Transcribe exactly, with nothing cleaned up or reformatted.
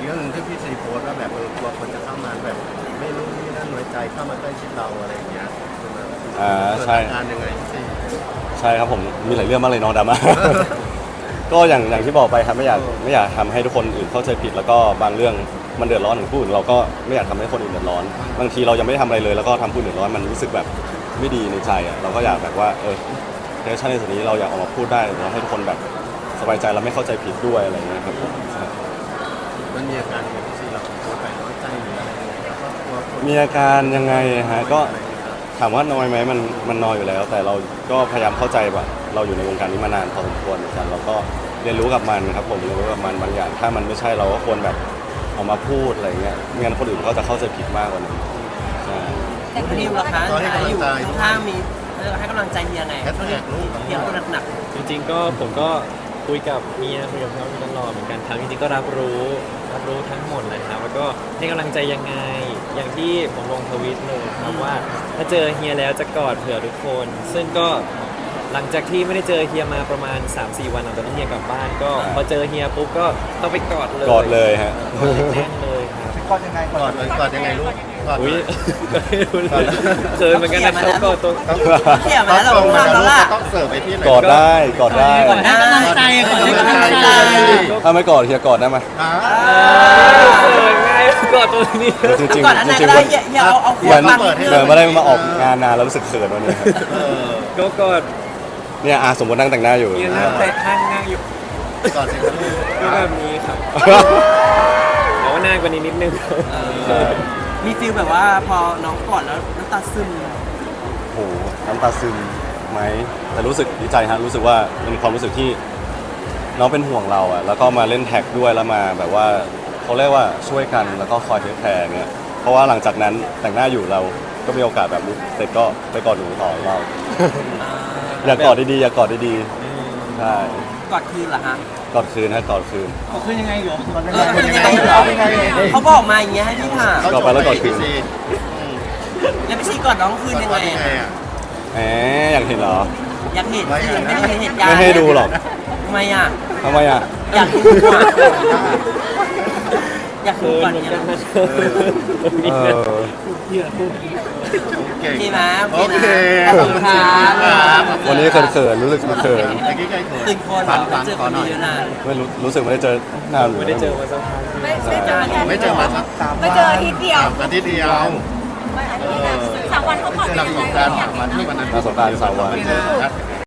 รื่องหนึงที่พี่ซีโพสต์ว่าแบบเออกลัวคนจะเข้ามาแบบไม่รู้นี่นั่นน้อยใจเข้ามาใกล้ชิดเราอะไรอย่างเงี้ยใช่ไหมอ่าใช่เกิดอาการยังไงพี่ซีใช่ครับผมมีหลายเรื่องมากเลยน้องดราม่า ก็อย่างอย่างที่บอกไปครับไม่อยากไม่อยากทำให้ทุกคนอื่นเข้าใจผิดแล้วก็บางเรื่องมันเดือดร้อนถึงผู้อื่นเราก็ไม่อยากทำให้คนอื่นเดือดร้อนบางทีเรายังไม่ได้ทำอะไรเลยแล้วก็ทำผู้อื่นเดือดร้อนมันรู้สึกแบบไม่ดีในใจอ่ะเราก็อยากแบบว่าเออเทชั่นในส่วนนี้เราอยากออกมาพูดได้เราให้ทุกคนแบบสบายใจแล้วไม่เข้าใจผิดด้วยอะไรอย่างเงี้ยครับผมใช่มันมีอาการยังไงพี่ซีเราโพสต์ไปน้อยใจหรืออะไรยังไงแล้วก็กลัวคนมีอาการยังไงฮะก็ถามว่าน้อยไหมมันมันน้อยอยู่แล้ว แต่เราก็พยายามเข้าใจแบบเราอยู่ในวงการนี้มานานพอสมควรเหมือนกันเราก็เรียนรู้กับมันครับผมเรียนรู้กับมันบางอย่าง ถ้ามันไม่ใช่เราก็ควรแบบเอามาพูดอะไรเงี้ยไม่งั้นคนอื่นเขาจะเข้าใจผิดมากกว่านี้ใช่แต่คุณนิวล่ะคะก็ให้กำลังอยู่ใจข้างๆมีเออให้กำลังใจเฮียไงแฮชแท็กลูกเฮียคนหนักจริงๆก็ผมก็คุยกับเมียคุยกับพี่อ้อมตลอดเหมือนกันครับจริงๆก็รับรู้รับรู้ทั้งหมดเลยครับแล้วก็ให้กำลังใจยังไง อย่างที่ผมลงทวิตเลยครับว่าถ้าเจอเฮียแล้วจะกอดเผื่อทุกคน ซึ่งก็หลังจากที่ไม่ได้เจอเฮียมาประมาณ สามสี่ วันหลังจากที่เฮียกลับบ้านก็พอเจอเฮียปุ๊บก็ต้องไปกอดเลยกอดเลยฮะแน่นเลยครับกอดยังไงกอดเลยกอดยังไงลูกกอดอุ้ยก็ไม่รู้เลยเขินเหมือนกันนะครับกอดตัวต้องๆเฮียมาแล้วเราต้องทำแล้วล่ะต้องเสิร์ฟไปที่ไหนกอดได้กอดได้กอดให้กำลังใจกอดให้กำลังใจถ้าไม่กอดเฮียกอดได้ไหมอ่าเขินง่ายกอดตัวนี้จริงจริงก่อนอันนั้นจริก็งได้เฮียเฮียเอาเอาเหมือนฟังเหมือนไม่ได้มาออกงานนานแล้วรู้สึกเขินวันนี้ครับเออก็กอดเนี่ยอาสมมตินั่งแต่งหน้าอยู่ยืนนั่งเตะข้างนั่งอยู่กอดสิครับลูกก็แบบนี้ครับแต่ว่านานกว่านี้นิดนึงเออมีฟีลแบบว่าพอน้องกอดแล้วน้ำตาซึมโอ้โหน้ำตาซึมไหมแต่รู้สึกดีใจฮะรู้สึกว่าเป็นความรู้สึกที่น้องเป็นห่วงเราอะแล้วก็มาเล่นแท็กด้วยแล้วมาแบบว่าเขาเรียกว่าช่วยกันแล้วก็คอยเทคแคร์เงี้ยเพราะว่าหลังจากนั้นแต่งหน้าอยู่เราก็มีโอกาสแบบนี้เสร็จก็ไปกอดหนูต่อเรา อย่ากอดดีๆอย่ากอดดีๆใช่กอดคืนเหรอฮะกอดคืนฮะกอดคืนเออเป็นยังไงเหรอเขาบอกมาอย่างเงี้ยให้พี่ถามกอดไปแล้วกอดคืนพี่ซีแล้วพี่ชีกอดน้องคืนยังกไงอดยังไงอะอ่ะแหมอยากเห็นเหรออยากเห็นสิยังไม่ได้เห็นเหตุการณ์ไม่ให้ดูหรอกทำไมอ่ะทำไมอ่ะอยากดูอ่ะอยากดูเขินก่อนเหมือนเนี่ยกันนะเออเก่งดีไหมโอโอเคเคนะขอบคุณครับวันนี้เขินๆรู้สึกเขินเมื่อกี้ใกล้เขินตื่นคนฟัเรางเจอขคอน หน่อยเยอะนานไม่รู้รู้สึกไม่ได้เจอนานไม่ได้เจอมาสักพักไม่ไม่เจออาทิตย์ไม่เจอมาสักสามไม่เจออาทิตย์เดียวอาทิตย์เดียวไม่อาทิตย์เดียวสามวันเขาก่อนหลังสงกรานต์สามวันที่วันนั้นมาสงกรานต์สามวันไม่เจอนะ